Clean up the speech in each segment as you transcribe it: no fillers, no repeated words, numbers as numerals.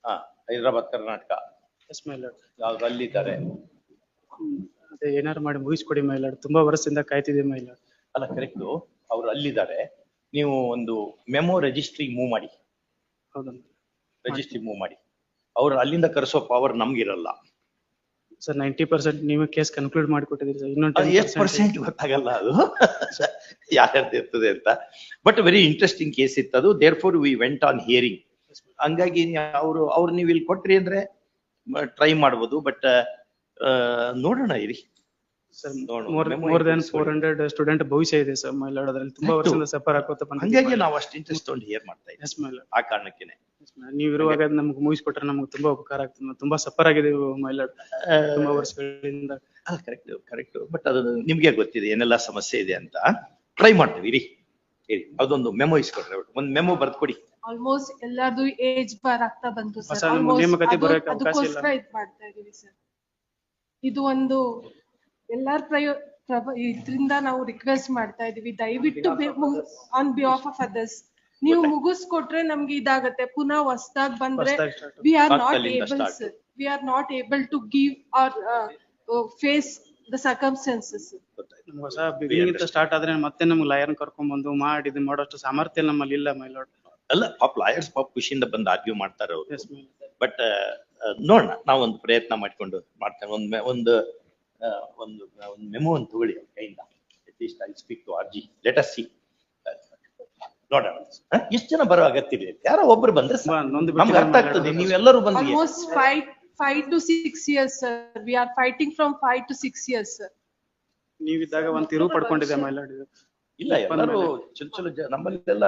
Hyderabad Karnataka yes my lord. ಯಾವ್ದು ಅಲ್ಲಿದ್ದಾರೆ? ಅದೇ ಏನಾರು ಮಾಡಿ ಮುಗಿಸ್ಕೊಡಿ ಮೈ ಲಾರ್ಡ್, ತುಂಬಾ ವರ್ಷದಿಂದ ಕಾಯ್ತಿದೆ ಮೈ ಲಾರ್ಡ್. ಅಲ್ಲ ಕರೆಕ್ಟು, ಅವ್ರು ಅಲ್ಲಿದ್ದಾರೆ. ನೀವು ಒಂದು ಮೆಮೊ ರಿಜಿಸ್ಟ್ರಿ ಮೂವ್ ಮಾಡಿ. ಹೌದಾ ರಿಜಿಸ್ಟ್ರಿ ಮೂವ್ ಮಾಡಿ. ಅವ್ರು ಅಲ್ಲಿಂದ ಕರೆಸೋ ಪವರ್ ನಮ್ಗಿರಲ್ಲ ಸರ್. 90% ನೀವು ಕೇಸ್ ಕನ್ಕ್ಲೂಡ್ ಮಾಡಿಕೊಟ್ಟಿದ್ದೀರಿ ಸರ್. ಇನ್ನೊಂದು 10% ಗೊತ್ತಾಗಲ್ಲ ಅದು ಯಾರ್ಯಾರ್ದು ಇರ್ತದೆ ಅಂತ. ಬಟ್ ವೆರಿ ಇಂಟ್ರೆಸ್ಟಿಂಗ್ ಕೇಸ್ ಇತ್ತು ಅದು. Therefore we went on hearing. ಹಂಗಾಗಿ ಅವ್ರು ನೀವು ಇಲ್ಲಿ ಕೊಟ್ರಿ ಅಂದ್ರೆ ಟ್ರೈ ಮಾಡ್ಬೋದು. ಬಟ್ ನೋಡೋಣ ಇರಿ ಸರ್. ಮೋರ್ ದನ್ 400 ಸ್ಟೂಡೆಂಟ್ ಭವಿಷ್ಯ ಇದೆ ಸರ್ ಮೈ ಲಾರ್ಡ್. ಅದ್ರಲ್ಲಿ ತುಂಬಾ ವರ್ಷದಿಂದ ಸಫರ್ ಆಗೋತ ಬಂದ. ಹಂಗಾಗಿ ನಾವು ಅಷ್ಟು ಇಂಟ್ರೆಸ್ಟ್ ತಗೊಂಡು ಹಿಯರ್ ಮಾಡ್ತಾ ಇದ್ದೀವಿ. Yes my lord. ಆ ಕಾರಣಕ್ಕೇನೆ ನೀವು ಇರುವಾಗ ನಮ್ಗೆ ಮುಗಿಸ್ಕೊಟ್ರೆ ನಮ್ಗೆ ತುಂಬಾ ಉಪಕಾರ ಆಗ್ತದೆ. ನಾವು ತುಂಬಾ ಸಫರ್ ಆಗಿದ್ದೀವಿ ಮೈ ಲಾರ್ಡ್ ತುಂಬಾ ವರ್ಷಗಳಿಂದ. ಕರೆಕ್ಟ್. ಬಟ್ ಅದು ನಿಮ್ಗೆ ಗೊತ್ತಿದೆ ಏನೆಲ್ಲ ಸಮಸ್ಯೆ ಇದೆ ಅಂತ. ಟ್ರೈ ಮಾಡ್ತೀವಿ ಇರಿ. ಅದೊಂದು ಮೆಮೊ ಇಸ್ಕೊಡ್ರಿ. ಒಂದು ಮೆಮೊ ಬರ್ದ್ಕೊಡಿ. ಆಲ್ಮೋಸ್ಟ್ ಎಲ್ಲಾರ್ದು ಏಜ್ ಬಾರ್ ಆಗ್ತಾ ಬಂತು ಸರ್. ಅದಕ್ಕೋಸ್ಕರ ಇದ್ ಮಾಡ್ತಾ ಇದೀವಿ ಸರ್. ಇದು ಒಂದು ಎಲ್ಲಾರ ಇದ್ರಿಂದ ನಾವು ರಿಕ್ವೆಸ್ಟ್ ಮಾಡ್ತಾ ಇದೀವಿ, ದಯವಿಟ್ಟು ಆನ್ ಬಿಹಾಫ್ ಆಫ್ ಅದರ್ಸ್ ನೀವು ಮುಗಿಸ್ಕೊಟ್ರೆ ನಮ್ಗೆ ಇದಾಗತ್ತೆ. ಪುನಃ ಹೊಸದಾಗಿ ಬಂದ್ರೆ we are not able to give our face the circumstances. ಹೊಸ ಬಿಗಿನಿಂಗ್ ಸ್ಟಾರ್ಟ್ ಆದ್ರೆ ಮತ್ತೆ ನಮ್ಗೆ ಲಾಯರ್ ಕರ್ಕೊಂಡ್ ಬಂದು ಮಾಡಿ ಮಾಡೋಷ್ಟು ಸಾಮರ್ಥ್ಯ ನಮ್ಮಲ್ಲಿ ಇಲ್ಲ ಮೈ ಲಾರ್ಡ್. ಅಲ್ಲ ಪಾಪ ಲಾಯರ್ಸ್ ಪಾಪ ಖುಷಿಯಿಂದ ಬಂದು ಆರ್ಗ್ಯೂ ಮಾಡ್ತಾರೆ ಅವರು. ಬಟ್ ನೋಡೋಣ, ನಾವೊಂದು ಪ್ರಯತ್ನ ಮಾಡ್ಕೊಂಡು ಮಾಡ್ತೇವೆ. ಒಂದು ಮೆಮೊ ಒಂದು ತಗೊಳ್ಳಿ ಕೈಯಿಂದ. At least I speak to RG. Let us see. ನೋಡೋಣ ಎಷ್ಟು ಜನ ಬರೋ ಅಗತ್ಯ ಇದೆ. ಯಾರೋ ಒಬ್ರು ಬಂದ್ರೆ ನಮ್ಗೆ ಅರ್ಥ ಆಗ್ತದೆ. ನೀವೆಲ್ಲರೂ ಬಂದು almost 5 to 6 years sir. We are fighting from 5 to 6 years sir. ನೀವಿದ್ದಾಗ ಒಂದು ತಿರು ಪಡ್ಕೊಂಡಿದೆ ಮೈ ಲಾರ್ಡ್. ಇಲ್ಲ ಎಲ್ಲರೂ ಚಲೋ ನಮ್ಮಲ್ಲೆಲ್ಲ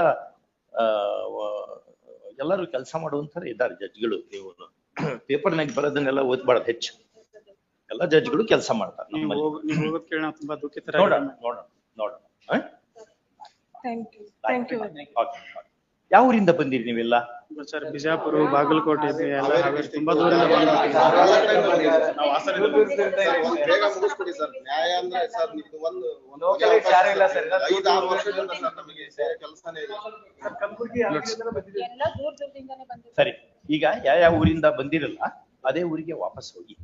ಎಲ್ಲರೂ ಕೆಲಸ ಮಾಡುವಂತಾರೆ ಇದ್ದಾರೆ ಜಡ್ಜ್ಗಳು. ನೀವು ಪೇಪರ್ನಾಗ ಬರೋದನ್ನೆಲ್ಲ ಓದ್ಬಾರ್ದು ಹೆಚ್ಚು. ಎಲ್ಲ ಜಡ್ಜ್ಗಳು ಕೆಲಸ ಮಾಡ್ತಾರೆ. ತುಂಬಾ ದುಃಖಿತರ. ನೋಡೋಣ. Thank you. ಯಾವ ಊರಿಂದ ಬಂದಿರಿ ನೀವೆಲ್ಲ? ಸರ್ ಬಿಜಾಪುರ, ಬಾಗಲಕೋಟೆ ಎಲ್ಲ ತುಂಬಾ ದೂರದಿಂದ ಸರಿ, ಈಗ ಯಾವ ಊರಿಂದ ಬಂದಿರಲ್ಲ ಅದೇ ಊರಿಗೆ ವಾಪಸ್ ಹೋಗಿ.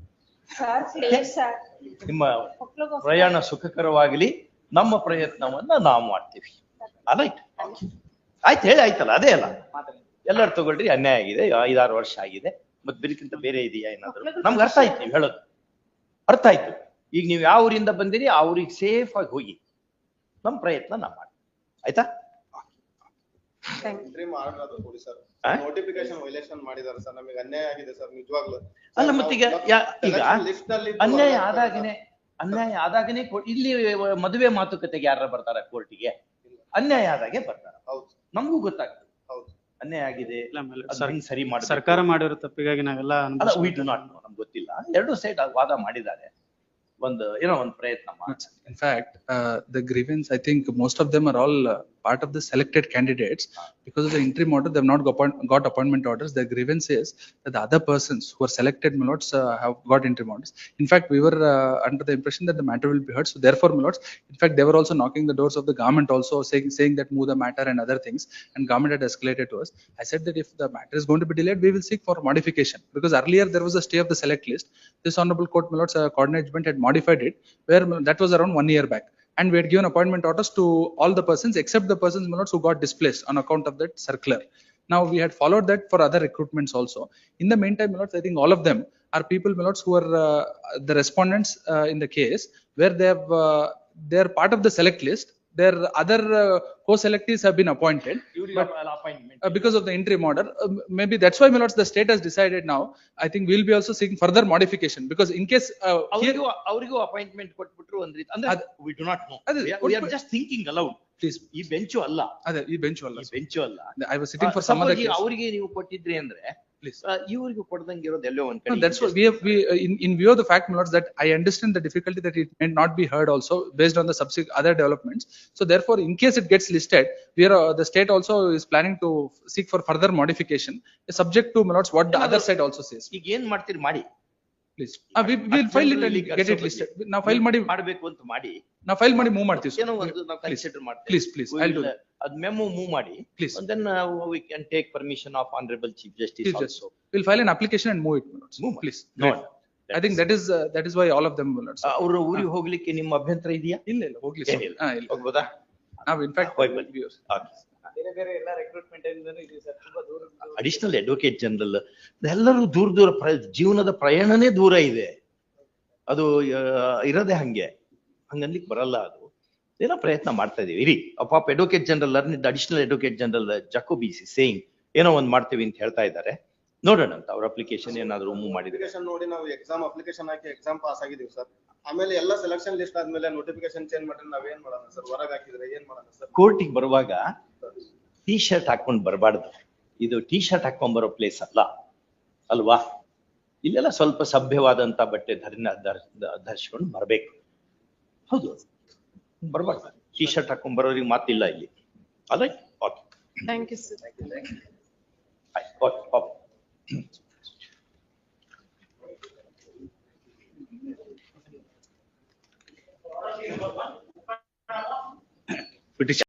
ನಿಮ್ಮ ಪ್ರಯಾಣ ಸುಖಕರವಾಗಲಿ. ನಮ್ಮ ಪ್ರಯತ್ನವನ್ನ ನಾವು ಮಾಡ್ತೀವಿ. ಆಯ್ತು ಹೇಳಿ ಆಯ್ತಲ್ಲ. ಅದೇ ಅಲ್ಲ, ಎಲ್ಲರೂ ತಗೊಳ್ರಿ. ಅನ್ಯಾಯ ಆಗಿದೆ, 5-6 ವರ್ಷ ಆಗಿದೆ. ಮತ್ ಬೇರೆಕ್ಕಿಂತ ಬೇರೆ ಇದೆಯಾ ಏನಾದ್ರು? ನಮ್ಗೆ ಅರ್ಥ ಆಯ್ತು, ನೀವು ಹೇಳೋದು ಅರ್ಥ ಆಯ್ತು. ಈಗ ನೀವು ಯಾವ ಊರಿಂದ ಬಂದಿರಿ ಆ ಊರಿಗೆ ಸೇಫ್ ಆಗಿ ಹೋಗಿ. ನಮ್ ಪ್ರಯತ್ನ ನಾವು ಮಾಡಿ. ಆಯ್ತಾ? ನೋಟಿಫಿಕೇಶನ್ ವೈಲೇಷನ್ ಮಾಡಿದಾರೆ ಸರ್. ನಮಗೆ ಅನ್ಯಾಯ ಆಗಿದೆ ಸರ್ ನಿಜವಾಗ್ಲೂ. ಅಲ್ಲ ಮತ್ತೀಗ ಅನ್ಯಾಯ ಆದಾಗನೇ ಇಲ್ಲಿ ಮದುವೆ ಮಾತುಕತೆಗೆ ಯಾರ ಬರ್ತಾರ ಕೋರ್ಟಿಗೆ? ಅನ್ಯಾಯ ಆದಾಗೆ ಬರ್ತಾರ. ನಮಗೂ ಗೊತ್ತಾಗ್ತದೆ ಅನ್ಯಾಯ ಆಗಿದೆ, ಸರಿ ಮಾಡಿ. ಸರ್ಕಾರ ಮಾಡಿರೋ ತಪ್ಪಿಗಾಗಿ ನಾವೆಲ್ಲ ನಮ್ಗೆ ಗೊತ್ತಿಲ್ಲ. ಎರಡು ಸೈಡ್ ವಾದ ಮಾಡಿದ್ದಾರೆ. ಒಂದು ಪ್ರಯತ್ನ ಮಾಡಿ. In fact, the grievance, I think most of them are all part of the selected candidates. Because of the interim order, they have not got appointment orders. The grievance is that the other persons who are selected, my lords, have got interim orders. In fact, we were under the impression that the matter will be heard. So therefore, my lords, in fact, they were also knocking the doors of the government also, saying that move the matter and other things. And government had escalated to us. I said that if the matter is going to be delayed, we will seek for modification. Because earlier there was a stay of the select list. This honorable court, my lords, coordination had modified it, where that was around 1 year back. And we had given appointment orders to all the persons except the persons, my lords, who got displaced on account of that circular. Now we had followed that for other recruitments also. In the meantime, my lords, I think all of them are people, my lords, who are the respondents in the case, where they are part of the select list. Their other co-selectees have been appointed, but because of the interim order, maybe that's why, my lords, the state has decided now. I think we'll be also seeking further modification, because in case ಅವರಿಗೂ appointment ಕೊಟ್ಬಿಟ್ರು ಅಂದ್ರೆ we do not know. We are just thinking aloud. Please, ಈ bench ಅಲ್ಲ. ಅದೇ ಈ bench ಅಲ್ಲ. I was sitting for some other case. ಅವರಿಗೆ ನೀವು ಕೊಟ್ಟಿದ್ರಿ ಅಂದ್ರೆ please, ಇವರಿಗೆ ಕೊಡದಂಗೆ ಇರೋದು ಎಲ್ಲೋ ಒಂದ್ ಕಡೆ. That's what we in view of the fact, my lords, that I understand the difficulty that it may not be heard also based on the subsequent other developments. So therefore, in case it gets listed, we are the state also is planning to seek for further modification, subject to, my lords, what the other side also says. ಈಗ ಏನ್ ಮಾಡ್ತೀರಿ ಮಾಡಿ. Please, we will file it and get it listed. Now file ಮಾಡಿ ಮಾಡಬೇಕು ಅಂತ ಮಾಡಿ ನಾವು file ಮಾಡಿ ಮೂವ್ ಮಾಡ್ತೀವಿ. ಏನೋ ಒಂದು ನಾವು ಕನ್ಸಿಡರ್ ಮಾಡ್ತೀವಿ. Please, I'll do that. ಅದ್ ಮೆಮೊ ಮೂವ್ ಮಾಡಿ. Please. And then we can take permission of Honorable Chief Justice Chief Justice. also. We'll file an application and move it, my lords. Move. Please. No. Great. I think that is why all of them, my lords. ಅವ್ರ ಊರಿಗೆ ಹೋಗ್ಲಿಕ್ಕೆ ನಿಮ್ಮ ಅಭ್ಯಂತರ ಇದೆಯಾ? ಇಲ್ಲ ಹೋಗ್ಲಿ sir. ಏನಿಲ್ಲ. ಇಲ್ಲ. ಹೋಗ್ಬೋದಾ? ನಾವು in fact ಹೋಗಿ ಬನ್ನಿ. we- Okay. ಬೇರೆ ಬೇರೆ ಎಲ್ಲ ರೆಕ್ರೂಟ್ಮೆಂಟ್ ಇಂದನೂ ಇದೆ ಸರ್, ತುಂಬಾ ದೂರ ಅಡಿಷನಲ್ ಅಡ್ವೊಕೇಟ್ ಜನರಲ್ ಎಲ್ಲರೂ ದೂರ ಜೀವನದ ಪ್ರಯಾಣನೇ ದೂರ ಇದೆ. ಅದು ಇರೋದೇ ಹಂಗನ್ಲಿಕ್ಕೆ ಬರಲ್ಲ. ಅದು ಏನೋ ಪ್ರಯತ್ನ ಮಾಡ್ತಾ ಇದೀವಿ. ಇರಿ ಪಾಪ advocate general additional advocate general ಜಕೋಬಿಸಿ ಸೇಯಿಂಗ್ ಏನೋ ಒಂದ್ ಮಾಡ್ತೀವಿ ಅಂತ ಹೇಳ್ತಾ ಇದ್ದಾರೆ. ನೋಡೋಣ ಅಂತ ಅವ್ರ ಅಪ್ಲಿಕೇಶನ್ ಏನಾದ್ರು ಮೂವ್ ಮಾಡಿದ್ರೆ. ಅಪ್ಲಿಕೇಶನ್ ನೋಡಿ ನಾವು ಎಕ್ಸಾಮ್ ಅಪ್ಲಿಕೇಶನ್ ಹಾಕಿ ಎಕ್ಸಾಮ್ ಪಾಸ್ ಆಗಿದೀವಿ ಸರ್. ಆಮೇಲೆ ಎಲ್ಲ ಸೆಲೆಕ್ಷನ್ ಲಿಸ್ಟ್ ಆದ್ಮೇಲೆ ನೋಟಿಫಿಕೇಶನ್ ಚೇಂಜ್ ಮಾಡಿದ್ರೆ ನಾವೇನ್ ಮಾಡೋಣ ಸರ್? ಹೊರಗೆ ಹಾಕಿದ್ರೆ ಏನ್ ಮಾಡೋಣ ಸರ್? ಕೋರ್ಟಿಗೆ ಬರುವಾಗ ಟೀ ಶರ್ಟ್ ಹಾಕೊಂಡ್ ಬರಬಾರ್ದು. ಇದು ಟೀ ಶರ್ಟ್ ಹಾಕೊಂಡ್ ಬರೋ ಪ್ಲೇಸ್ ಅಲ್ಲ ಅಲ್ವಾ? ಇಲ್ಲೆಲ್ಲ ಸ್ವಲ್ಪ ಸಭ್ಯವಾದಂತ ಬಟ್ಟೆ ಧರಿಸ್ಕೊಂಡು ಬರ್ಬೇಕು. ಹೌದು, ಬರ್ಬಾರ್ದು. ಟೀ ಶರ್ಟ್ ಹಾಕೊಂಡ್ ಬರೋರಿಗೆ ಮಾತಿಲ್ಲ ಇಲ್ಲಿ. ಅಲ್ಲ, okay, thank you sir. Okay.